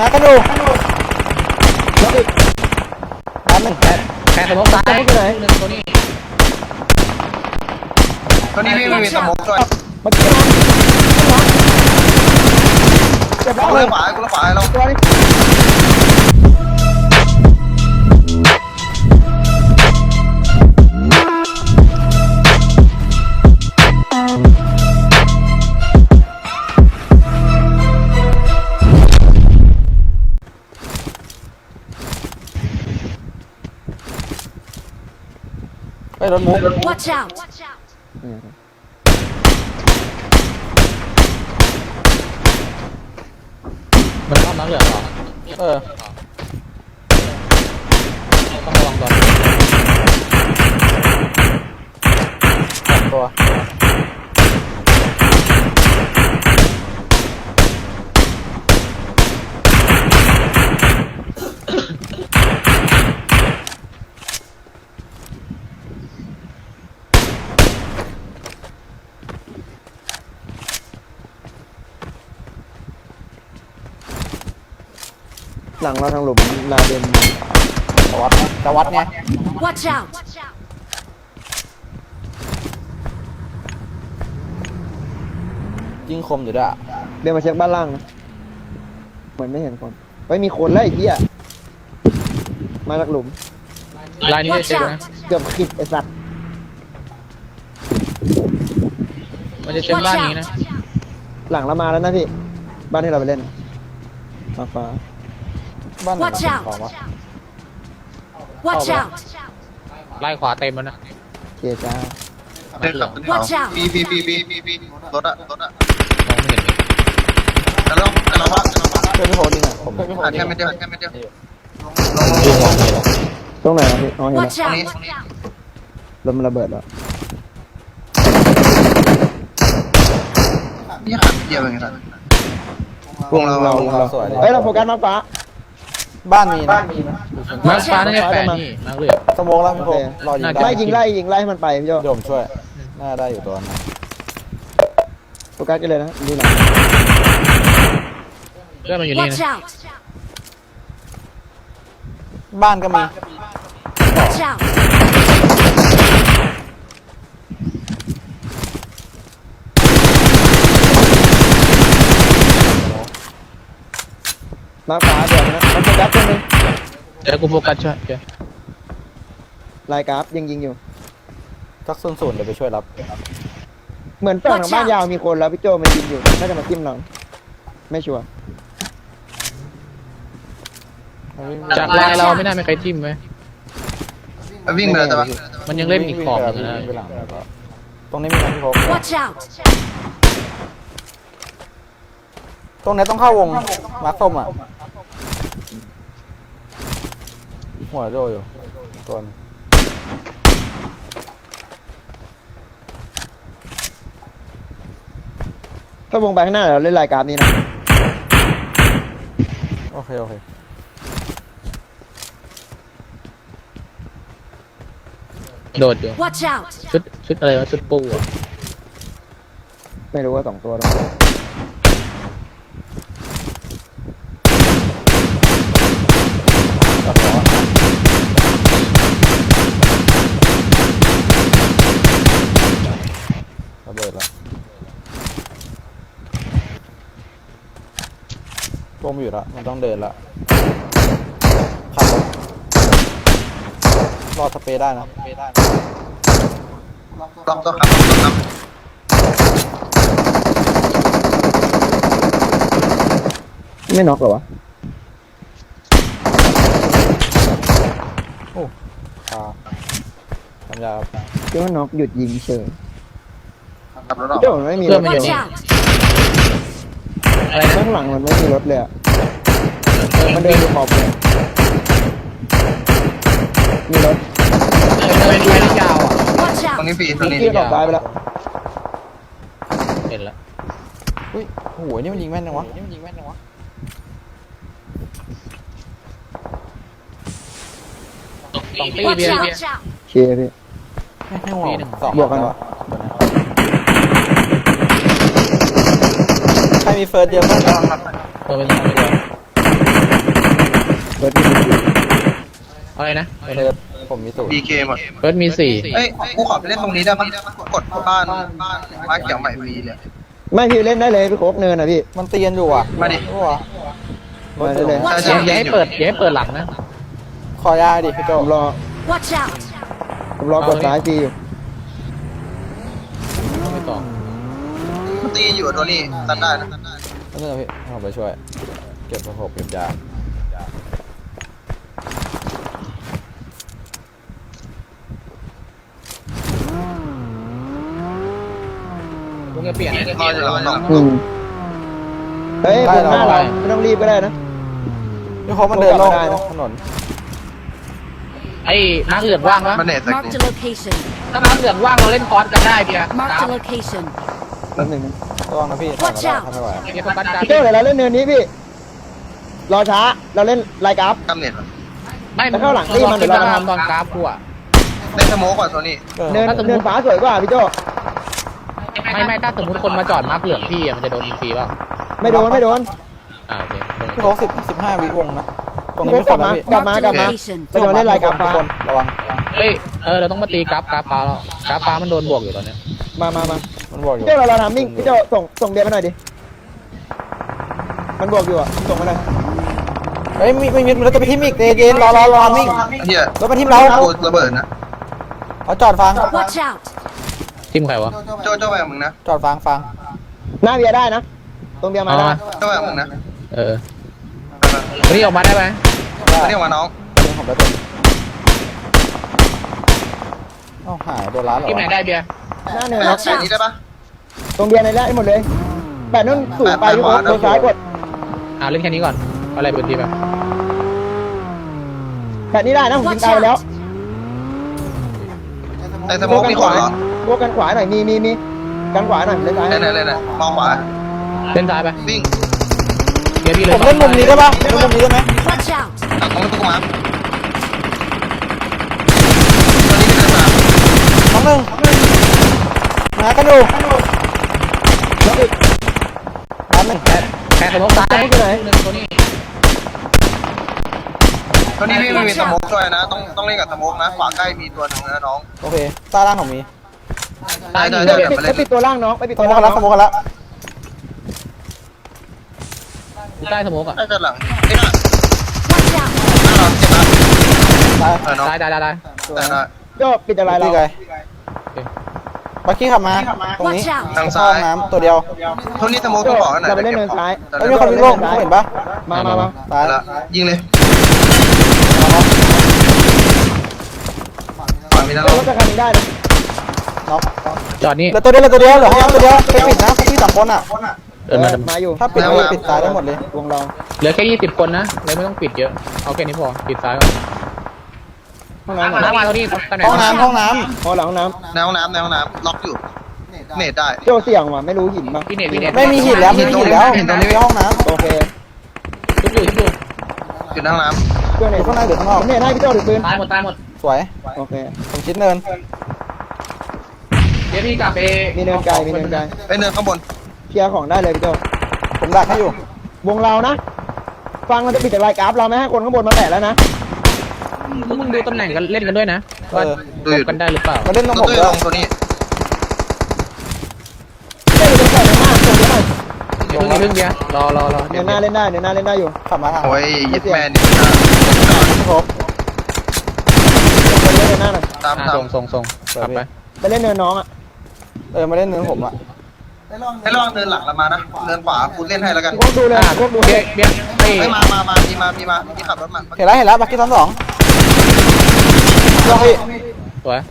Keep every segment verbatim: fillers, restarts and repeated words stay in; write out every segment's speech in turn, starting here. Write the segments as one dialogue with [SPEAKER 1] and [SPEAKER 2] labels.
[SPEAKER 1] หากันดูอันหนึ่งแปด
[SPEAKER 2] แค่สมองตายหนึ่งตัวนี้
[SPEAKER 3] ตัวนี้พี่ไม่มีสมองด้วย
[SPEAKER 1] มาเก็บเก็บแล้ว
[SPEAKER 3] กู
[SPEAKER 1] เล
[SPEAKER 3] เลย ยขวากูเลยขวาเรา
[SPEAKER 1] ตัวนี้ไปรถมุก
[SPEAKER 4] Watch out!
[SPEAKER 2] มันเข้ามาเหลือหรอ
[SPEAKER 1] เออ
[SPEAKER 2] ต้องระวังก่อน
[SPEAKER 1] ตัว
[SPEAKER 5] หลังเราทางหลุมลาเดน
[SPEAKER 1] จะวัดนะจะวัดไง
[SPEAKER 4] Watch out!
[SPEAKER 1] ยิงคมอยู่ด้วยอะ
[SPEAKER 5] เดินมาเช็คบ้านล่างนะเหมือนไม่เห็นคนเฮ้ยมีคนแล้วไอ้เหี้ยมาจากหลุม
[SPEAKER 2] ลายนี้ได้
[SPEAKER 4] Watch
[SPEAKER 2] เช็คนะ
[SPEAKER 4] out!
[SPEAKER 5] เกือบขิดไอ้สัตว์
[SPEAKER 2] มันจะเช็คบ้านนี้นะ
[SPEAKER 5] หลังเรามาแล้วนะพี่บ้านที่เราไปเล่นฟ้าฟ้า
[SPEAKER 1] บ้านไหน
[SPEAKER 4] Watch out
[SPEAKER 1] ของวะ
[SPEAKER 4] Watch out!
[SPEAKER 2] ไล่ขวาเต็มแล้วนะ
[SPEAKER 5] เกียร์จ้า
[SPEAKER 3] เดินขับขึ้นเขาปีปีปีปีปีปีรถอะรถอะ
[SPEAKER 2] มองไม่เห็น
[SPEAKER 3] แต่เราแต่เราว่าแต่เราว่า
[SPEAKER 1] เพื่อนพี่โพสต์นี่ไงผม
[SPEAKER 3] แค่ไม่เดียวแค่ไม่เดียว
[SPEAKER 2] ดูมองไม่เห็น
[SPEAKER 5] ตรงไหนอะพี่อ๋อเห็นแล้ว
[SPEAKER 4] Watch
[SPEAKER 3] ตรงนี้
[SPEAKER 4] out!
[SPEAKER 5] ลมมันระเบิดแล้ว
[SPEAKER 3] นี่ขาเดียวเองครับ
[SPEAKER 5] วงเราเราวงเรา
[SPEAKER 1] สวยเลย
[SPEAKER 5] เฮ้ยเราโฟกัสมาฟ้า
[SPEAKER 1] บ้านมีนะ
[SPEAKER 2] มาฟ้าน่าจะแฝงนี่มาเหลือ
[SPEAKER 1] สโมองแล้วพี่โพสต์รอยิง
[SPEAKER 2] น่าจะ
[SPEAKER 1] ได้
[SPEAKER 5] ไล่ยิงไล่ยิงไล่ให้มันไปพี่โจ
[SPEAKER 1] เดี๋ยวผมช่วย น่าได้อยู่ตัวนั้น
[SPEAKER 5] โฟกัสกันเลยนะดูหลัง
[SPEAKER 2] เพื่อนมันอยู่นี่
[SPEAKER 4] Watch
[SPEAKER 2] นะ
[SPEAKER 4] out!
[SPEAKER 1] บ้านก็มี
[SPEAKER 4] Watch out!
[SPEAKER 5] มาฟ้าเดี๋ยวนะมันโฟกัสตัวนึง
[SPEAKER 2] เดี๋ยวกูโฟกัสช่วยเดี๋ยว
[SPEAKER 5] ลายกราฟยิงยิงอยู่
[SPEAKER 1] สักศูนย์ศูนย์เดี๋ยวไปช่วยรับ
[SPEAKER 5] เหมือนฝั่งทางบ้านยาวมีคนแล้วพี่โจมันยิงอยู่น่าจะมาจิ้มเราไม่ชัวร์
[SPEAKER 2] จากลายเราไม่น่ามีใครจิ้มไหม
[SPEAKER 3] วิ่งไปแล้วแต่ว่า
[SPEAKER 2] มันยังเล่นอีกขอบหนึงนะ
[SPEAKER 1] วิ่งไปหลังแล้วก็ตรงนี้มีนะพี่โพสต์
[SPEAKER 4] Watch out!
[SPEAKER 1] ตรงนี้ต้องเข้าวงมาร์คส้มอ่ะ หัวโดอยู่ตัวนึง
[SPEAKER 5] ถ้าวงไปข้างหน้าเราเล่นลายกราฟนี้นะ
[SPEAKER 1] โอเค โอเค
[SPEAKER 2] โดดอยู่
[SPEAKER 4] Watch out!
[SPEAKER 2] ชุดชุดอะไรวะชุดปูอ่ะ
[SPEAKER 5] ไม่รู้ว่าสองตัวหรอก
[SPEAKER 1] ตัดหัวระเบิดแล้ววงอยู่แล้วมันต้องเดินแล้วขับรถรอสเปรย์ได้นะ
[SPEAKER 3] ล็อกตัวขับล็อกตัวขับ
[SPEAKER 5] ไม่น็อกเหรอวะ
[SPEAKER 1] โอ้ขาทำยาครับ
[SPEAKER 5] คิดว่าน็อกหยุดยิงเฉย
[SPEAKER 3] ขับรถออก
[SPEAKER 5] พี่โจมันไม่มีร
[SPEAKER 2] เพื่อ
[SPEAKER 5] ถ
[SPEAKER 2] นมันอยู่
[SPEAKER 4] Watch
[SPEAKER 2] นี่
[SPEAKER 4] out!
[SPEAKER 2] อะไรนะ
[SPEAKER 5] ข้างหลังมันไม่มีรถเลยอะเออมันเดินอยู่ขอบเลยมีรถ
[SPEAKER 2] เป็นไฟที่ยาวอ่ะ
[SPEAKER 4] Watch
[SPEAKER 3] ตรง
[SPEAKER 4] out!
[SPEAKER 3] นี้ปีตรงนี้
[SPEAKER 5] พี่ขอบซ้ายไปแล้ว
[SPEAKER 2] เห็นแล้ว
[SPEAKER 1] อุ้ยโอ้โหนี่มันยิงแม่นจังวะนี่มันยิงแม่นจังวะ
[SPEAKER 2] สองตี
[SPEAKER 4] Watch
[SPEAKER 2] เบียร์
[SPEAKER 4] out!
[SPEAKER 2] เบียร์
[SPEAKER 4] Watch out!
[SPEAKER 5] เชียร์พี่
[SPEAKER 1] ไม่ให้หัว
[SPEAKER 2] ปีหนึ่ง
[SPEAKER 1] สอง
[SPEAKER 5] บวกกันเหรอ
[SPEAKER 1] ใครมีเฟิร์สเดียวบ้าง
[SPEAKER 2] ตัวเป็นสองตัว
[SPEAKER 5] เปิดที่มี
[SPEAKER 2] อะไรนะ
[SPEAKER 1] เฟิร์สผมมีสูตร
[SPEAKER 3] บีเคหมด
[SPEAKER 2] เฟิร์สมีสี่
[SPEAKER 3] เอ้ยกูขอไปเล่นตรงนี้ได้ปะกดบ้านบ้านบ้านเขียวใหม่ฟรีเลย
[SPEAKER 5] ไม่พี่เล่นได้เลยพี่โคกเนินอ่ะพี่
[SPEAKER 1] มันเตียนอยู่อ่ะ
[SPEAKER 3] มาดิ
[SPEAKER 1] รู้อ่ะรถ
[SPEAKER 5] มาได้เลย
[SPEAKER 1] สูง
[SPEAKER 3] ใช่
[SPEAKER 2] อย่าอย่าให้เปิดอย่าให้เปิดหลังนะ
[SPEAKER 1] ขอยาดิพี่โจ
[SPEAKER 5] ผมรอ
[SPEAKER 4] Watch out!
[SPEAKER 5] ผมรอกดซ้ายทีอยู่
[SPEAKER 2] ไม่ต่อ
[SPEAKER 3] มันตีอยู่ตัวนี้ตันได้นะ
[SPEAKER 1] นั่นเองพี่ผมไปช่วย เก็บประกบเก็บยา
[SPEAKER 2] มึงจะเปลี่ยน
[SPEAKER 3] รออยู่หลังน้อง
[SPEAKER 5] อืมเฮ้ยผมหน้าเราไม่ต้องรีบก็ได้นะ
[SPEAKER 1] พี่โคกมันเดินโล่ง
[SPEAKER 5] ได้นะ
[SPEAKER 1] ถนน
[SPEAKER 2] ไอ้มาร์คเหลืองว่างปะ
[SPEAKER 3] มันเน็ตสัก
[SPEAKER 4] Marked a location.
[SPEAKER 2] ถ้ามาร์คเหลืองว่างเราเล่นคอร์สกันได้เพีย
[SPEAKER 4] Marked a location.
[SPEAKER 5] แป๊บหนึงนะ
[SPEAKER 1] ระวังนะพี่
[SPEAKER 4] Watch
[SPEAKER 1] ถอย
[SPEAKER 4] out
[SPEAKER 1] มาได้ถ้าไม่ไหว
[SPEAKER 2] เพียโฟกัสการ
[SPEAKER 5] พี่เจ้าเดี๋ยวเราเล่นเนินนี้พี่ รอช้า เราเล่นไลน์กราฟ
[SPEAKER 3] กำเน็ต
[SPEAKER 2] ไม่
[SPEAKER 5] แล้วเข้าหลังนี่มันเดี๋ยว
[SPEAKER 2] เรา
[SPEAKER 5] เรา
[SPEAKER 2] ทำตอนกราฟกูอะ
[SPEAKER 3] เล่นสโมกก่อนตัวนี้
[SPEAKER 1] เออ
[SPEAKER 5] เนิน
[SPEAKER 2] ถ้าสมมุติ
[SPEAKER 5] เนินฟ้าสวยกว่าพี่โจ้
[SPEAKER 2] ไม่ไม่ถ้าสมมติคนมาจอดมาร์คเหลืองพี่อะมันจะโดนยิงฟรีเปล่า
[SPEAKER 5] ไม่โดนไม่โดน
[SPEAKER 2] อ่าโอเค
[SPEAKER 1] พี่โคกสิบสิบห้าวิวงนะ ตรงนี้
[SPEAKER 5] พี่
[SPEAKER 1] ไม่
[SPEAKER 5] โค
[SPEAKER 1] ค
[SPEAKER 5] ก
[SPEAKER 1] น
[SPEAKER 5] กลับ
[SPEAKER 1] นะ
[SPEAKER 5] มา
[SPEAKER 1] พี่
[SPEAKER 5] กลับมากลับมา
[SPEAKER 4] Location.
[SPEAKER 5] ไปโดนเล่นไลน์กราฟ
[SPEAKER 1] ทุ
[SPEAKER 5] ฟ้าก
[SPEAKER 1] คนระวัง
[SPEAKER 2] เฮ้ยเออเราต้องมาตีกราฟกราฟฟ้าแล้วกราฟฟ้ามันโดนบวกอยู่ตอนเนี้ย
[SPEAKER 5] มามามา
[SPEAKER 1] มันบอกอยู่
[SPEAKER 5] พี่โจ้เราเราทำมิ่งพี่โจ้ส่งส่งเดียมาหน่อยดิ มันบวกอยู่อ่ะ ส่งมาหน่อย
[SPEAKER 1] เฮ้ยมีไม่มีมันจะไปทิมอีกเดเจนรอรอรอมิ่ง
[SPEAKER 3] เฮีย
[SPEAKER 1] รถไปทิมเรา
[SPEAKER 3] กูระเบิดนะ
[SPEAKER 1] เอาจอดฟัง
[SPEAKER 4] Watch out!
[SPEAKER 2] ทีมใครวะ
[SPEAKER 3] โจ้โจ้ไปกับมึงนะ
[SPEAKER 1] จอดฟังฟัง
[SPEAKER 5] หน้าเบียร์ได้นะ ตรงเบียร์มาได้
[SPEAKER 3] โจ้ไปกับมึงนะ
[SPEAKER 2] เออวันนี้ออกมาได้ไหม
[SPEAKER 3] มาเรียกมาน้อง
[SPEAKER 1] เรื่องของประตูเอ้าหายโดนร้านเหรอ
[SPEAKER 2] ทีมไหน
[SPEAKER 1] วะ
[SPEAKER 2] ได้เบียร์
[SPEAKER 5] หน้าเนิน
[SPEAKER 3] น้อ
[SPEAKER 5] นะ
[SPEAKER 3] งใส่นี้ได้ปะ
[SPEAKER 5] ตรงเบียร์ในแรกให้หมดเลยแปดนุ่นสูงไปพี่โคก
[SPEAKER 3] แปดขวา
[SPEAKER 5] โดนซ้ายกด
[SPEAKER 2] อ่าเล่นแค่นี้ก่อนเอาอะไรเป็นทีมแบบ
[SPEAKER 5] แปดนี้ได้นะผมยิง
[SPEAKER 4] Watch
[SPEAKER 5] ตายไปแล้ว
[SPEAKER 4] out!
[SPEAKER 3] ในสโมกมีคนเหรอ
[SPEAKER 5] โบกันขวาหน่อย มีมีมีกันขวาหน่อยเล่นซ้าย
[SPEAKER 3] เล่นเล่นเล่นมองขวา
[SPEAKER 2] เล่นซ้ายไป
[SPEAKER 3] วิ่ง
[SPEAKER 2] เบียร์พี่เล
[SPEAKER 1] ผ
[SPEAKER 2] ย
[SPEAKER 1] มเล่นมุมนี้ได้ปะเล่นมุมนี้ได้ไหม
[SPEAKER 4] Watch out!
[SPEAKER 3] ตัดตรงตู้มาตัวนี้เป็นอะไร
[SPEAKER 1] น้องหนึ่งหากันอยู่
[SPEAKER 5] แล้วอีก
[SPEAKER 1] ร้านหนึ่ง
[SPEAKER 2] แพ้แพ้สมองซ้าย
[SPEAKER 5] สมมุติไหน
[SPEAKER 2] หนึ่งตัวนี้
[SPEAKER 3] ตัวนี้ไม่มีสโมกช่วยนะ ต้องต้องเล่นกับสโมกนะ ขวาใกล้มีตัวหนึ่งนะน้อง
[SPEAKER 1] โอเคใต้ล่างผมมี
[SPEAKER 2] ซ้าย
[SPEAKER 3] ได้
[SPEAKER 2] มี
[SPEAKER 3] ได้
[SPEAKER 2] เบียร์
[SPEAKER 5] ปิดไปปิดตัวล่างน้องไปปิด
[SPEAKER 1] ส
[SPEAKER 5] ตัว
[SPEAKER 1] มม
[SPEAKER 5] ล่า
[SPEAKER 1] ติ
[SPEAKER 5] ง
[SPEAKER 1] กัน
[SPEAKER 5] น้
[SPEAKER 1] ละ
[SPEAKER 5] อง
[SPEAKER 1] สมมติกันละ
[SPEAKER 2] อยู่ใต้สมองอ่ะ
[SPEAKER 3] ได้ด้านหลังนี่นะ
[SPEAKER 4] Watch out!
[SPEAKER 3] หน้าเราเจ็บนะ
[SPEAKER 1] ตาย
[SPEAKER 3] เออน้อง
[SPEAKER 2] ได้ได้ได้ได้
[SPEAKER 3] แต่ได้
[SPEAKER 5] โจ้ปิดอะไรเรา
[SPEAKER 1] พี่ไกบักกี้ขับมาตรงนี้
[SPEAKER 4] Watch out!
[SPEAKER 3] ทางซ้าย
[SPEAKER 1] ห้องน้ำตัวเดียว
[SPEAKER 3] ทุนนี้สโมก
[SPEAKER 5] โจ้
[SPEAKER 3] ต้องบอกกันหน่อย
[SPEAKER 5] เราไปเล่นเนินซ้าย
[SPEAKER 1] เฮ้ยมีคนวิ่งโล่งเห็นปะ
[SPEAKER 5] มามามา
[SPEAKER 1] ตาย
[SPEAKER 3] ละยิงเลย
[SPEAKER 1] เอาเนาะ
[SPEAKER 3] ขวามีนะ
[SPEAKER 5] โจ้
[SPEAKER 3] น้อง
[SPEAKER 5] รถจะคันนี้ได้นะ
[SPEAKER 1] เนาะ
[SPEAKER 2] จอดนี่
[SPEAKER 1] เหลือตัวเดียวเหลือตัวเดียวเหลือห้องน้ำตัวเดียวไปปิดนะพี่สองคนอ่ะ
[SPEAKER 2] เดินมา
[SPEAKER 5] เออมาอยู่
[SPEAKER 1] ถ้าปิดก็ปิดตายได้หมดเลย
[SPEAKER 5] วงเรา
[SPEAKER 2] เหลือแค่ยี่สิบคนนะเลยไม่ต้องปิดเยอะเอาแค่นี้พอปิดซ้ายก่อน
[SPEAKER 5] ห้องน้ำ
[SPEAKER 2] น้ำมาตรงนี้ตำแหน่ง
[SPEAKER 1] ห้องน้ำห้องน้
[SPEAKER 5] พอหลังห้องน้
[SPEAKER 3] ในห้องน้ำในห้องน้ำล็อกอยู่ เนตได้
[SPEAKER 5] ำโจ้เสี่ยงว่ะไม่รู้หินป่ะ
[SPEAKER 2] พี่เน็ตพี่เน็ต
[SPEAKER 1] ำไม่มีหินแล้วไม่มีหินแล้วหินตรงนี้ห้องน้
[SPEAKER 5] โอเค
[SPEAKER 2] ทุบอยู่ทุบอยู่
[SPEAKER 3] อยู่ในห้องน้
[SPEAKER 5] เพื่อน
[SPEAKER 1] ำ
[SPEAKER 5] เนี่
[SPEAKER 1] อย ยู่ข้างในหรือข้างนอก
[SPEAKER 5] ผมเนี่ยให้พี่โจ้ถือปืน
[SPEAKER 2] ตายหมดตายหมด
[SPEAKER 1] สวย
[SPEAKER 5] โอเค
[SPEAKER 1] ผมชิดเนิน
[SPEAKER 2] เดี๋ยวพี่กลับไป
[SPEAKER 5] มีเนินไกลมีเนินไกล
[SPEAKER 3] ำไปเนินข้างบน
[SPEAKER 5] เคลียร์ของได้เลยพี่โจ้
[SPEAKER 1] ผมดักให้อยู่
[SPEAKER 5] วงเรานะ ฟังเราจะปิดแต่รายกราฟเราไม่ให้คนข้างบนมาแตะแล้วนะ
[SPEAKER 2] พวกมึงดูตำแหน่งกันเล่นกันด้วยนะว่าตบกันได้หรือเปล่า
[SPEAKER 1] มาเล่นตรง
[SPEAKER 3] ตั
[SPEAKER 1] ผ
[SPEAKER 3] ว
[SPEAKER 1] ม
[SPEAKER 3] ตู้
[SPEAKER 1] ด้ว
[SPEAKER 3] ล
[SPEAKER 1] ย
[SPEAKER 3] งตัวนี้
[SPEAKER 5] เจ้าอยู่ตรงไหนในหน้าส่งเยอะหน่อย
[SPEAKER 2] เพิ่งเพิ่งเดียวรอรอรอ
[SPEAKER 5] เนินหน้าเล่นได้เนินหน้าเล่นได้อยู่
[SPEAKER 1] ขับมาทาง
[SPEAKER 3] โอ้ยยึดแมนนี่นะ
[SPEAKER 1] พี่ครบ
[SPEAKER 5] ไปเล่นเนินหน้าหน่อย
[SPEAKER 3] ตามตาม
[SPEAKER 2] ส่งส่งส่งกลับไป
[SPEAKER 5] ไปเล่นเนินน้องอ่ะ
[SPEAKER 1] เออมาเล่นเนินผมอ่ะ
[SPEAKER 3] ให้ลองเดินหลังเรามานะ เดินขวาคุณเล่นให้แล้วกัน
[SPEAKER 5] พวกดูเลย
[SPEAKER 2] อ่า
[SPEAKER 5] พวกดู
[SPEAKER 2] เบียร์เบียร์ไอ้
[SPEAKER 3] เฮ้ยมามามามีมามีมามีขับรถมา
[SPEAKER 1] เห็นแล้วเห็นแล้วบักกี้ซ้อนสองลองพี่
[SPEAKER 2] สวย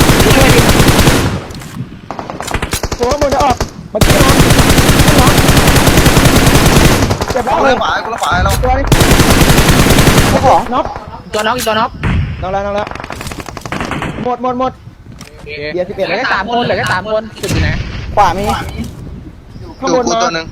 [SPEAKER 5] ตัวข้างบนจะออกมาเกี่ยวน้องน้องเจ็บแล้ว
[SPEAKER 3] กู
[SPEAKER 5] เล
[SPEAKER 3] เล่
[SPEAKER 5] ย
[SPEAKER 3] นขวากูเล่นขวาให้เรา
[SPEAKER 5] ตัวนี้
[SPEAKER 1] เจ้าของ
[SPEAKER 5] น็อก
[SPEAKER 2] ตัวน็อกอีกตัวน็อก
[SPEAKER 5] น้องแล้วน้องแล้วหมดหมดหมด เบียร์สิบเอ็ด
[SPEAKER 2] เหลือแค่สามคนเหลือแค่สามคนจุดอยู่ไหน
[SPEAKER 1] ขวามี
[SPEAKER 5] ข้าง
[SPEAKER 3] ดู
[SPEAKER 5] บน
[SPEAKER 3] กู
[SPEAKER 5] มา
[SPEAKER 3] ตัวหนึ่ง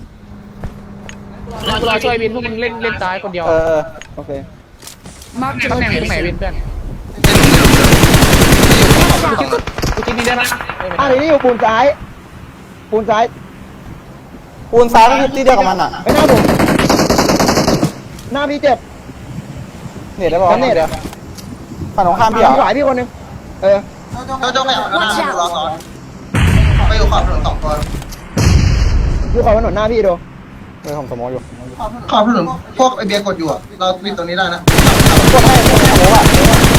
[SPEAKER 2] รอช่วยวินพวกมึงเล่นเล่นซ้ายคนเดียว
[SPEAKER 1] เออเออ
[SPEAKER 5] โอเค
[SPEAKER 4] Marked a
[SPEAKER 2] ตำแหน่งอยู่ตรงไหน
[SPEAKER 4] location.
[SPEAKER 2] วินเพื่อน
[SPEAKER 3] ในหลุมในหลุมในหลุมอยู่ขอบ
[SPEAKER 2] กูจิ้มนี่ได้ไหม
[SPEAKER 5] อ่ะเดี๋ยวนี้อยู่ปูนซ้าย ปูนซ้าย
[SPEAKER 1] ปูนซ้ายก็คือที่เดียวกับมันอ่ะ
[SPEAKER 5] ไปหน้าผม หน้าพี่เจ็บ
[SPEAKER 1] เน็ตได้ป่าว
[SPEAKER 5] ทำเน็ต
[SPEAKER 1] เดี๋ยวฝั่งตรงข้ามพี่เหรอ
[SPEAKER 5] ขวาพี่คนหนึงเออ
[SPEAKER 3] โจโจ้ไปเอาหน้าดูรอซ้อนไปอยู่ขอบถนนสองตัว
[SPEAKER 5] อยู่ขวาถนนหน้าพี่ดู
[SPEAKER 1] เออผมสมองอยู่
[SPEAKER 3] ขอบถนนพวกไอเบียร์กดอยู่อะเราปิดตรงนี้ได้นะ
[SPEAKER 1] กดให้กดให้ผมอ่ะ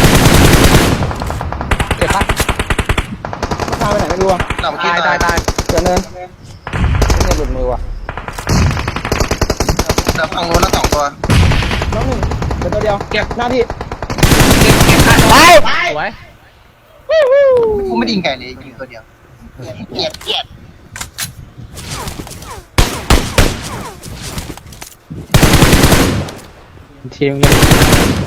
[SPEAKER 2] เจ็บปะ
[SPEAKER 5] ตามไปไหนไม่รู้อ่ะ
[SPEAKER 3] หลับ
[SPEAKER 2] ตายตายตาย
[SPEAKER 5] เดี๋ยวเนิน
[SPEAKER 1] เน็ตหลุดมือว่ะ
[SPEAKER 3] เดี๋ยวฝั่งนู้นละสองตัว
[SPEAKER 5] น้องหนึ่งเดี๋ยวตัวเดียว
[SPEAKER 2] เก็บ
[SPEAKER 5] หน้าพี่
[SPEAKER 2] เก็บเก็บอ่ะไปสวย
[SPEAKER 3] กูไม่ไดยิงไก่เลยยิงตัวเดียวเกลียดเกลียด
[SPEAKER 2] ทีมกัน